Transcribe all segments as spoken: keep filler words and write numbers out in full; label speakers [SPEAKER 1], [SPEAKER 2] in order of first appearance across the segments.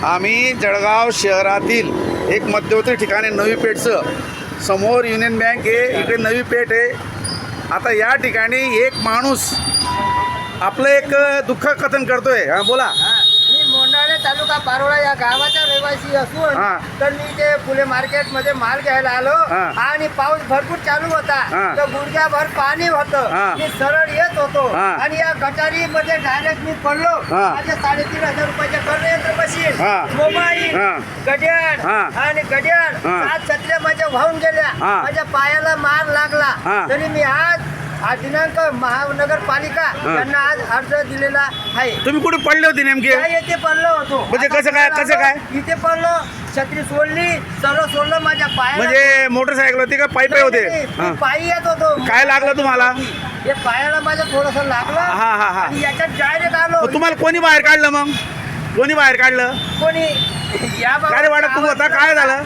[SPEAKER 1] आम्ही जळगाव शहरातील एक मध्यवर्ती ठिकाणी नवी पेठचं समोर युनियन बँक आहे, इकडे नवी पेठ आहे. आता या ठिकाणी एक माणूस आपलं एक दुःख कथन करतोय. हां बोला.
[SPEAKER 2] मी मोंढाणे तालुका पारोळा या गावाचा रहिवासी असून
[SPEAKER 1] हा.
[SPEAKER 2] तर मी ते फुले मार्केट मध्ये माल घ्यायला आलो
[SPEAKER 1] हा.
[SPEAKER 2] आणि पाऊस भरपूर चालू होता.
[SPEAKER 1] हा.
[SPEAKER 2] तर गुडघ्याभर पाणी होतं.
[SPEAKER 1] हा.
[SPEAKER 2] मी सरळ येत होतो
[SPEAKER 1] हा.
[SPEAKER 2] आणि या गटारी मध्ये डायरेक्ट मी पडलो.
[SPEAKER 1] हा.
[SPEAKER 2] माझे साडेतीन हजार रुपयाचे कर्णयंत्र मशीन,
[SPEAKER 1] हा.
[SPEAKER 2] मोबाईल,
[SPEAKER 1] हा.
[SPEAKER 2] घड्याळ
[SPEAKER 1] हा.
[SPEAKER 2] आणि घड्याळ
[SPEAKER 1] हा.
[SPEAKER 2] सात छत्र्या माझ्या वाहून गेल्या.
[SPEAKER 1] हा.
[SPEAKER 2] माझ्या पायाला मार लागला.
[SPEAKER 1] हा.
[SPEAKER 2] तरी मी आज हा दिनांक महानगरपालिका यांना आज अर्ज दिलेला आहे.
[SPEAKER 1] तुम्ही कुठे पडले होते नेमके?
[SPEAKER 2] काय येथे पडलो होतो.
[SPEAKER 1] म्हणजे
[SPEAKER 2] आता
[SPEAKER 1] कसं काय-
[SPEAKER 2] पुण्याला
[SPEAKER 1] कसं काय?
[SPEAKER 2] आलो, इथे पडलो, छत्री सोडली, सर्व सोडलं माझ्या पायाला.
[SPEAKER 1] म्हणजे मोटरसायकल होती का पायी पायी होते?
[SPEAKER 2] नाही,
[SPEAKER 1] हां.
[SPEAKER 2] मी पायी येत होतो.
[SPEAKER 1] काय लागलं तुम्हाला?
[SPEAKER 2] हे पायाला माझ्या थोडस लागलं.
[SPEAKER 1] हा हा हा
[SPEAKER 2] आणि याच्यात डायरेक्ट आलो.
[SPEAKER 1] मग तुम्हाला कोणी बाहेर काढलं? मग कोणी बाहेर काढलं?
[SPEAKER 2] कोणी या बाबा-
[SPEAKER 1] काय रे वाटत तू होता? काय झालं?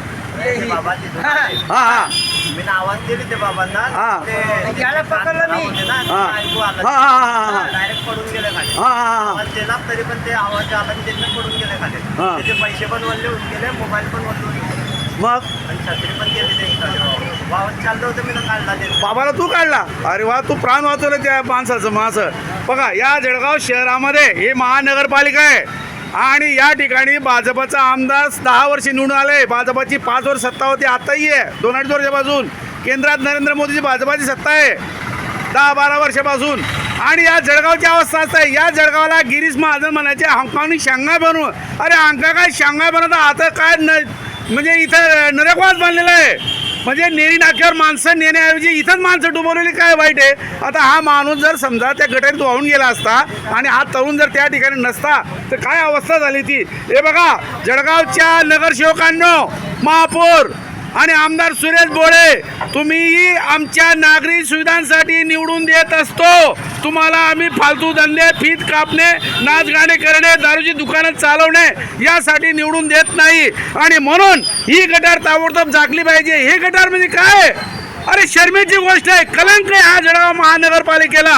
[SPEAKER 2] हा.
[SPEAKER 1] हा हा
[SPEAKER 3] मी आवाज दिली ते बाबांना
[SPEAKER 1] हा.
[SPEAKER 3] ते
[SPEAKER 2] याला पकडलं मी.
[SPEAKER 1] हा हा हा हा हा
[SPEAKER 3] डायरेक्ट पडून गेले खाली.
[SPEAKER 1] हा हा हा
[SPEAKER 3] आवाज दिला तरी पण ते आवाज आला आणि त्यांना पडून गेले खाली.
[SPEAKER 1] हा.
[SPEAKER 3] त्याचे पैसे पण वल्ले होऊन गेले, मोबाईल पण वल्ले होऊन गेले
[SPEAKER 1] मग
[SPEAKER 3] आणि छत्री पण गेली ते खाली. वाहन चाललं होतं, मी ना काढला ते.
[SPEAKER 1] बाबाला तू काढला? अरे वा, तू प्राण वाचवलं त्या माणसाचं. माणसं बघा, या जळगाव शहरामध्ये हे महानगरपालिका आहे आणि या ठिकाणी भाजपचा आमदार दहा वर्षे निवडून आले. भाजपची पाच वर्ष सत्ता होती, आताही आहे दोन अडीच वर्षापासून. केंद्रात नरेंद्र मोदीची भाजपाची सत्ता आहे दहा बारा वर्षापासून. आणि या जळगावची अवस्था असं आहे, या जळगावला गिरीश महाजन म्हणायचे हंकावनी शांघाय बनवून. अरे हंका काय शांघाय बनवता? आता काय न म्हणजे इथं नरकवास बनलेला आहे. म्हणजे नेरी नाक्यावर माणसं नेण्याऐवजी इथंच माणसं डुबवलेली. काय वाईट आहे? आता हा माणूस जर समजा त्या गटारीत वाहून गेला असता आणि हा तरुण जर त्या ठिकाणी नसता तर काय अवस्था झाली ती. हे बघा, जळगावच्या नगरसेवकांनो, महापौर आणि आमदार सुरेश बोळे, तुम्ही आमच्या नागरी सुविधांसाठी निवडून देत असतो. तुम्हाला आम्ही फालतू धंदे, फीत कापणे, नाच गाणे करणे, दारूची दुकानं चालवणे यासाठी निवडून देत नाही. आणि म्हणून ही गटार ताबडतोब झाकली पाहिजे. हे गटार म्हणजे काय? अरे शर्मेची गोष्ट आहे, कलंक आहे हा जळगाव महानगरपालिकेला.